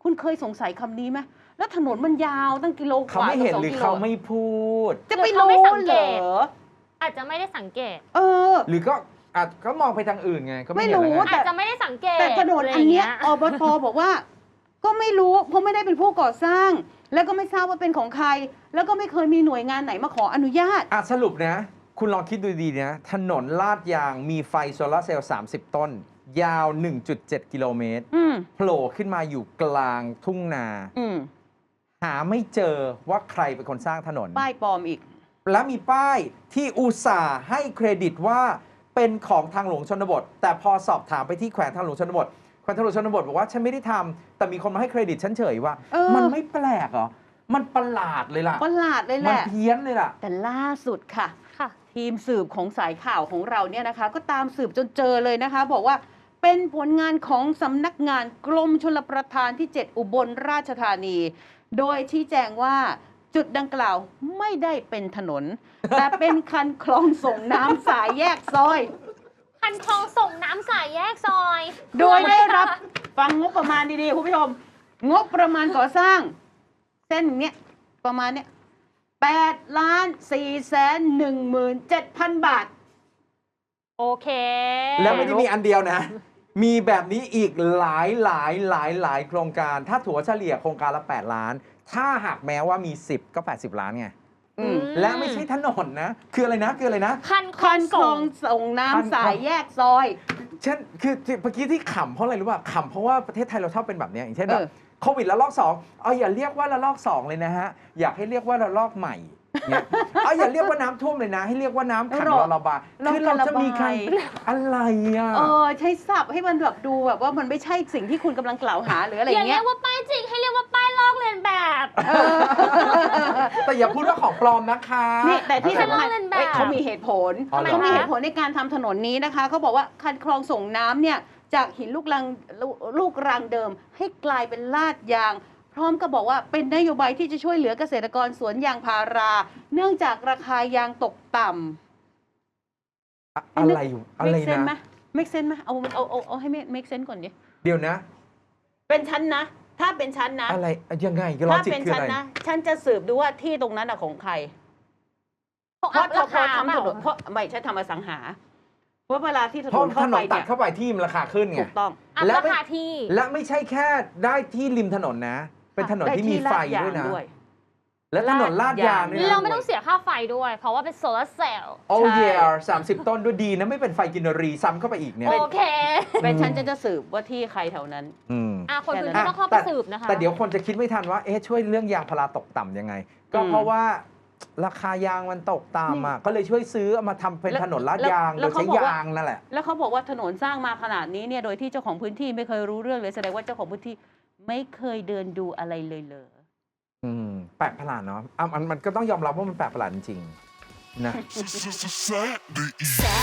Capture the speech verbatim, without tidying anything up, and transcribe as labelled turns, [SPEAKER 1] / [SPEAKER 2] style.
[SPEAKER 1] คุณเคยสงสัยคำนี้ไหมแล้วถนนมันยาวตั้งกิโลกว่า
[SPEAKER 2] เขาไม่เห็นหรือเขาไม่พูด
[SPEAKER 1] จะไปรู้เหรอ
[SPEAKER 3] อาจจะไม่ได้สังเกต
[SPEAKER 1] เออ
[SPEAKER 2] หรือก็อาจก็มองไปทางอื่นไงก็ไม่
[SPEAKER 1] ไม่
[SPEAKER 2] เห็น
[SPEAKER 1] รู้
[SPEAKER 2] แล้วไง
[SPEAKER 3] อาจจะไม่ได้สังเกต
[SPEAKER 1] แต่ถนนอันเนี้ยอบตบอกว่า ก็ไม่รู้เพราะไม่ได้เป็นผู้ก่อสร้าง แล้วก็ไม่ทราบว่าเป็นของใคร แล้วก็ไม่เคยมีหน่วยงานไหนมาขออนุญาต
[SPEAKER 2] อ่ะสรุปนะ คุณลองคิดดูดีๆนะถนนลาดยางมีไฟโซลาร์เซลล์สามสิบต้น ยาว หนึ่งจุดเจ็ด กิโลเมตร
[SPEAKER 1] อืม
[SPEAKER 2] โผล่ขึ้นมาอยู่กลางทุ่งนา
[SPEAKER 1] อืม
[SPEAKER 2] หาไม่เจอว่าใครเป็นคนสร้างถนน
[SPEAKER 1] ป้ายปลอมอีก
[SPEAKER 2] และมีป้ายที่อุตส่าห์ให้เครดิตว่าเป็นของทางหลวงชนบท แต่พอสอบถามไปที่แขวงทางหลวงชนบทแขวงทางหลวงชนบทบอกว่าฉันไม่ได้ทำแต่มีคนมาให้เครดิตฉันเฉยว่า
[SPEAKER 1] เออ
[SPEAKER 2] มันไม่แปลกเหรอมันประหลาดเลยล่ะ
[SPEAKER 1] ประหลาดเลยแห
[SPEAKER 2] มัน
[SPEAKER 1] ละ
[SPEAKER 2] เพี้ยนเลยล่ะ
[SPEAKER 1] แต่ล่าสุดค่ะ
[SPEAKER 3] ค่ะ
[SPEAKER 1] ทีมสืบของสายข่าวของเราเนี่ยนะคะ ก็ตามสืบจนเจอเลยนะคะ บอกว่าเป็นผลงานของสำนักงานกรมชลประทานที่ เจ็ด อุบลราชธานี โดยชี้แจงว่าจุดดังกล่าวไม่ได้เป็นถนน แต่เป็นคันคลองส่งน้ำสายแยกซอย
[SPEAKER 3] คันคลองส่งน้ำสายแยกซอย
[SPEAKER 1] โดยได้รับฟังงบประมาณดีๆ คุณผู้ชม งบประมาณก่อสร้าง เส้นเนี้ยประมาณเนี้ยแปดล้านสี่แสนหนึ่งหมื่นเจ็ดพันบาท
[SPEAKER 3] โอเค
[SPEAKER 2] แล้วไม่ได้มีอันเดียวนะ มีแบบนี้อีกหลายหลายหลายหลายโครงการ ถ้าถัวเฉลี่ยโครงการละ แปด ล้าน ถ้าหากแม้ว่ามี สิบ ก็ แปดสิบ ล้านไง
[SPEAKER 1] อืม
[SPEAKER 2] และไม่ใช่ถนนนะ คืออะไรนะ คืออะไรนะ
[SPEAKER 3] คันคล
[SPEAKER 1] คั
[SPEAKER 3] อง
[SPEAKER 1] นคล
[SPEAKER 3] ส่
[SPEAKER 1] อง งส่งน้ำสายแยกซอย
[SPEAKER 2] เช่นคือที่เมื่อกี้ที่ขำเพราะอะไรรู้ป่ะขำเพราะว่าประเทศไทยเราชอบเป็นแบบเนี้ยอย่างเช่นแบบ
[SPEAKER 1] เออ
[SPEAKER 2] โควิดระลอกสองเอาอย่าเรียกว่าระลอกสองเลยนะฮะ อยากให้เรียกว่าระลอกใหม่เนี่ยเอาอย่าเรียกว่าน้ำท่วมเลยนะ ให้เรียกว่าน้ำขังรอระบายคือเราจะมีใครอะไรอ่ะ
[SPEAKER 1] เออใช้ศัพท์ให้มันแบบดูแบบว่ามันไม่ใช่สิ่งที่คุณกำลังกล่าวหาหรืออะไร
[SPEAKER 3] อย่าเรี
[SPEAKER 1] เงี้
[SPEAKER 3] ย
[SPEAKER 1] ย
[SPEAKER 3] กว่าป้ายจริงให้เรียกว่าป้ายลอกเลียนแบบ
[SPEAKER 1] เออ
[SPEAKER 2] แต่อย่าพูดว่าของปลอมนะคะ
[SPEAKER 1] นี่แต่ที่สำคัญ
[SPEAKER 3] เล่นแบบ
[SPEAKER 1] เอ้ยเขามีเหตุผล
[SPEAKER 2] อ๋อเหรอ
[SPEAKER 1] เขามีเหตุผลในการทำถนนนี้นะคะเขาบอกว่าคันคลองส่งน้ำเนี่ยจากหินลูกรังลูลูกรังเดิม ให้กลายเป็นลาดยาง พร้อมกับบอกว่าเป็นนโยบายที่จะช่วยเหลือเกษตรกรสวนยางพารา เนื่องจากราคายางตกต่ำ
[SPEAKER 2] อะอะไรอยู่อะไร
[SPEAKER 1] make sense ไหม
[SPEAKER 2] นะ
[SPEAKER 1] make sense ไหมเอาเอาเอาเอาให้ make sense ก่อนดิ
[SPEAKER 2] เดี๋ยวนะ
[SPEAKER 1] เป็นชั้นนะ ถ้าเป็นชั้นนะ
[SPEAKER 2] อะไรยังไงก็ลอ
[SPEAKER 1] ถ้า
[SPEAKER 2] จิก
[SPEAKER 1] เป็น
[SPEAKER 2] คือ
[SPEAKER 1] ชั้น
[SPEAKER 2] อะไร
[SPEAKER 1] นะ ฉันจะสืบดูว่าที่ตรงนั้นอะของใคร
[SPEAKER 3] ของ
[SPEAKER 1] เพราะ
[SPEAKER 3] รา
[SPEAKER 1] พอ
[SPEAKER 3] คา
[SPEAKER 1] ทำ
[SPEAKER 3] เป
[SPEAKER 1] ถ
[SPEAKER 3] ล่าน
[SPEAKER 1] นเพราะไม่ใช่ทำอสังหา เพราะเวลาที่ถ
[SPEAKER 2] เพ
[SPEAKER 1] น
[SPEAKER 2] ราะ
[SPEAKER 1] น
[SPEAKER 2] ถ
[SPEAKER 1] เข้าน ไป
[SPEAKER 2] นตัด
[SPEAKER 1] เนี่ย
[SPEAKER 2] เข้าไปที่มันราคาขึ้นไง
[SPEAKER 1] ถูกต้อง
[SPEAKER 3] อัพ
[SPEAKER 2] และ
[SPEAKER 3] รา
[SPEAKER 2] ไม่
[SPEAKER 3] คาที่
[SPEAKER 2] และไม่ใช่แค่ได้ที่ริมถนนนะ เป็นถนนที่มีไฟด้วยนะ และถนนลาดยางด้วยนะ
[SPEAKER 3] เราไม่ต้องเสียค่าไฟด้วย เพราะว่าเป็นโซลาร์เซลล์
[SPEAKER 2] โอ้
[SPEAKER 1] ใช่
[SPEAKER 2] ยสามสิบต้นด้วยดีนะ ไม่เป็นไฟกินรีซ้ำเข้าไปอีกเนี่ย
[SPEAKER 3] โอเค
[SPEAKER 1] เป็นฉันจะจะสืบว่าที่ใครแถวนั้น
[SPEAKER 2] อืม
[SPEAKER 3] อ่ะคนพื้น
[SPEAKER 1] แค่
[SPEAKER 3] ที่
[SPEAKER 1] นั้น
[SPEAKER 3] ต้องเข้าไป
[SPEAKER 2] แต่
[SPEAKER 3] สืบนะคะ
[SPEAKER 2] แต่เดี๋ยวคนจะคิดไม่ทันว่า เอ๊ะ ช่วยเรื่องยางพาราตกต่ำยังไง ก็
[SPEAKER 1] อืม
[SPEAKER 2] เพราะว่าราคายางมันตกต่ำอ่ะ ก็เลยช่วยซื้อเอามาทำเป็น
[SPEAKER 1] แล้ว
[SPEAKER 2] ถนนลาด
[SPEAKER 1] แล้ว
[SPEAKER 2] ยาง
[SPEAKER 1] แล้
[SPEAKER 2] โด
[SPEAKER 1] วย เขา
[SPEAKER 2] ใช้
[SPEAKER 1] บอกว่า
[SPEAKER 2] ยางนั่นแหละ
[SPEAKER 1] แล้วเขาบอกว่าถนนสร้างมาขนาดนี้เนี่ยโดยที่เจ้าของพื้นที่ไม่เคยรู้เรื่องเลยแสดงว่าเจ้าของพื้นที่ไม่เคยเดินดูอะไรเลยเลย
[SPEAKER 2] อืม แปลกประหลาดเนาะอ่ะมันมันก็ต้องยอมรับว่ามันแปลกประหลาดจริงๆนะ
[SPEAKER 4] Saturday